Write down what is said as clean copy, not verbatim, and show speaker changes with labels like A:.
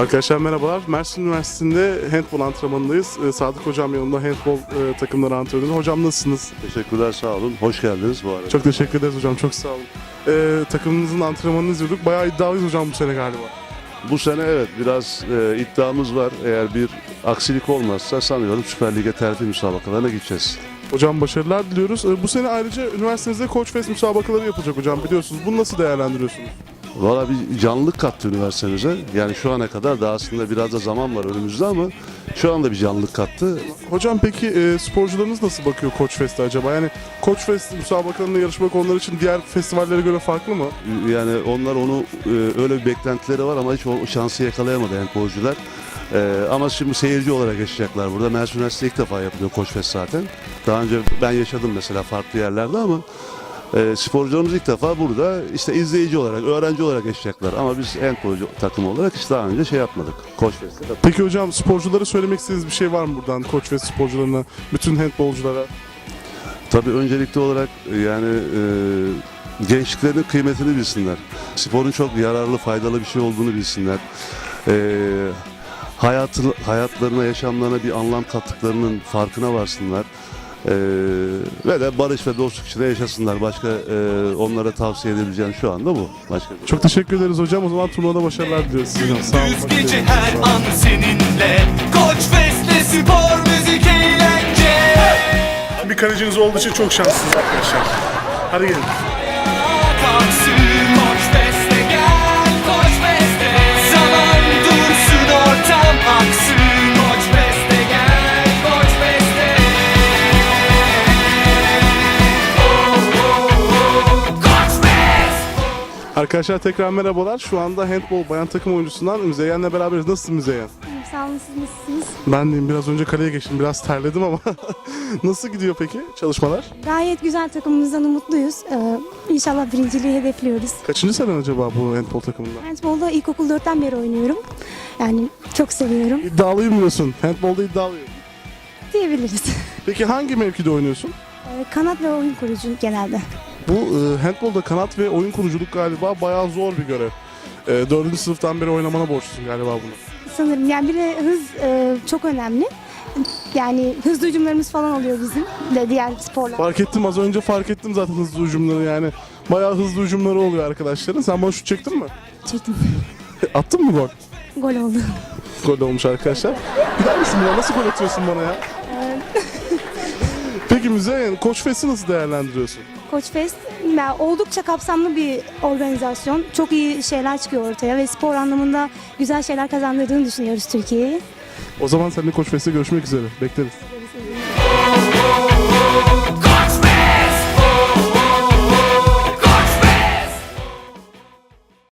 A: Arkadaşlar merhabalar. Mersin Üniversitesi'nde handbol antrenmanındayız. Sadık Hocam yanımda handbol takımları antrenörü. Hocam nasılsınız?
B: Teşekkürler, sağ olun. Hoş geldiniz bu arada.
A: Çok teşekkür ederiz hocam, çok sağ olun. Takımınızın antrenmanını izliyorduk. Bayağı iddialıyız hocam bu sene galiba.
B: Bu sene evet biraz iddiamız var. Eğer bir aksilik olmazsa sanıyorum Süper Lig'e terfi müsabakalarına gideceğiz.
A: Hocam başarılar diliyoruz. Bu sene ayrıca üniversitenizde Koç Fest müsabakaları yapılacak hocam, biliyorsunuz. Bunu nasıl değerlendiriyorsunuz?
B: Valla bir canlılık kattı üniversitemize. Yani şu ana kadar da aslında biraz da zaman var önümüzde ama şu anda bir canlılık kattı.
A: Hocam peki sporcularınız nasıl bakıyor Koç Fest'e acaba? Yani Koç Fest müsabakalarında yarışmak onlar için diğer festivallere göre farklı mı?
B: Yani onlar onu öyle bir beklentileri var ama hiç o şansı yakalayamadı handbolcular. Ama şimdi seyirci olarak yaşayacaklar burada. Mersin Üniversitesi ilk defa yapılıyor Koç Fest zaten. Daha önce ben yaşadım mesela farklı yerlerde ama sporcularımız ilk defa burada işte izleyici olarak, öğrenci olarak yaşayacaklar. Ama biz handbolcu takımı olarak hiç daha önce şey yapmadık. Koç Fest'te.
A: Peki hocam sporculara söylemek istediğiniz bir şey var mı buradan Koç Fest sporcularına, bütün handbolculara?
B: Tabii öncelikli olarak yani gençliklerinin kıymetini bilsinler. Sporun çok yararlı, faydalı bir şey olduğunu bilsinler. Hayatlarına, yaşamlarına bir anlam kattıklarının farkına varsınlar. Ve de barış ve dostluk içinde yaşasınlar. Başka onlara tavsiye edebileceğim şu anda bu. Başka bir
A: Çok teşekkür ederiz hocam. O zaman turnuvada başarılar diliyoruz size. Sağ olun.
C: Düz gece her an seninle Koç Fest'te spor, müzik, eğlence.
A: Bir kaleciniz olduğu için çok şanslısınız arkadaşlar. Hadi gelin.
C: Kalksın Koç Fest'e gel, Koç Fest'e. Zaman dursun, ortam aksın. Koç Fest'e gel, Koç Fest'e. Koç Fest.
A: Arkadaşlar tekrar merhabalar. Şu anda handbol bayan takım oyuncusundan Müzeyyen'le beraberiz. Nasılsın Müzeyyen?
D: Sağ olun, siz nasılsınız?
A: Ben deyim, biraz önce kaleye geçtim. Biraz terledim ama nasıl gidiyor peki çalışmalar?
D: Gayet güzel, takımımızdan umutluyuz. İnşallah birinciliği hedefliyoruz.
A: Kaçıncı senen acaba bu handbol takımında?
D: Handbolda ilkokul 4'ten beri oynuyorum. Yani çok seviyorum
A: İddialıyım diyorsun. Handbolda iddialıyım.
D: diyebiliriz.
A: Peki hangi mevkide oynuyorsun?
D: Kanat ve oyun kurucu genelde.
A: Bu handbolda kanat ve oyun kuruculuk galiba bayağı zor bir görev. 4. sınıftan beri oynamana borçlusun galiba bunu.
D: Sanırım yani bir de hız çok önemli. Yani hızlı hücumlarımız falan oluyor bizim de diğer sporlar.
A: Fark ettim, az önce fark ettim zaten hızlı hücumları yani. Bayağı hızlı hücumları oluyor arkadaşların. Sen bana şut çektin mi?
D: Çektim.
A: Attın mı gol?
D: Gol oldu.
A: Gol olmuş arkadaşlar. Gider misin buna? Nasıl gol atıyorsun bana ya? Peki Müzeyyen, Koç Fest'i nasıl değerlendiriyorsun?
D: Koç Fest oldukça kapsamlı bir organizasyon. Çok iyi şeyler çıkıyor ortaya ve spor anlamında güzel şeyler kazandırdığını düşünüyoruz Türkiye'yi.
A: O zaman seninle Koç Fest'te görüşmek üzere. Bekleriz.